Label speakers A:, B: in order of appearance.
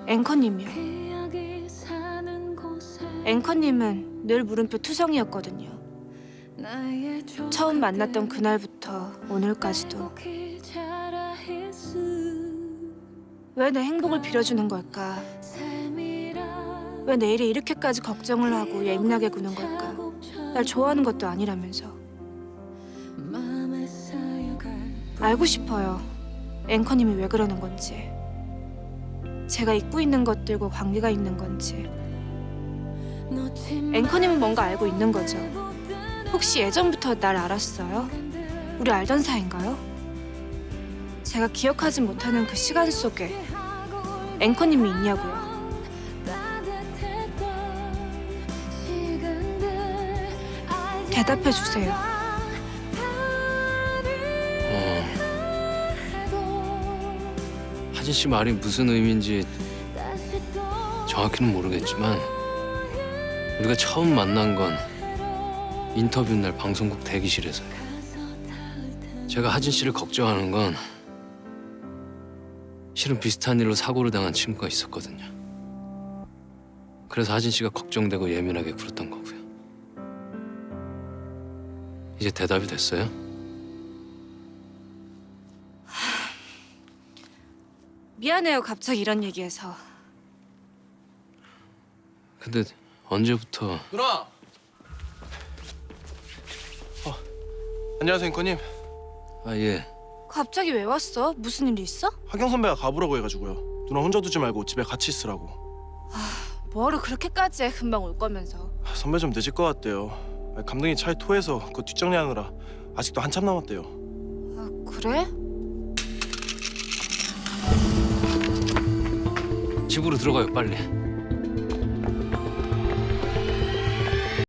A: 앵커님이요. 앵커님은 늘 물음표 투성이었거든요. 처음 만났던 그날부터 오늘까지도. 왜 내 행복을 빌어주는 걸까? 왜 내일이 이렇게까지 걱정을 하고 예민하게 구는 걸까? 날 좋아하는 것도 아니라면서. 알고 싶어요. 앵커님이 왜 그러는 건지. 제가 잊고 있는 것들과 관계가 있는 건지. 앵커님은 뭔가 알고 있는 거죠. 혹시 예전부터 날 알았어요? 우리 알던 사이인가요? 제가 기억하지 못하는 그 시간 속에 앵커님이 있냐고요. 대답해 주세요.
B: 하진 씨 말이 무슨 의미인지 정확히는 모르겠지만 우리가 처음 만난 건 인터뷰 날 방송국 대기실에서요. 제가 하진 씨를 걱정하는 건 실은 비슷한 일로 사고를 당한 친구가 있었거든요. 그래서 하진 씨가 걱정되고 예민하게 굴었던 거고요. 이제 대답이 됐어요?
A: 미안해요, 갑자기 이런 얘기해서.
B: 근데 언제부터...
C: 누나! 안녕하세요, 앵커님.
B: 아, 예.
A: 갑자기 왜 왔어? 무슨 일 있어?
C: 하경 선배가 가보라고 해가지고요. 누나 혼자 두지 말고 집에 같이 있으라고.
A: 뭐하러 그렇게까지 해? 금방 올 거면서.
C: 선배 좀 늦을 것 같대요. 감독이 차에 토해서 그거 뒷정리하느라 아직도 한참 남았대요.
A: 아, 그래?
B: 집으로 들어가요, 빨리.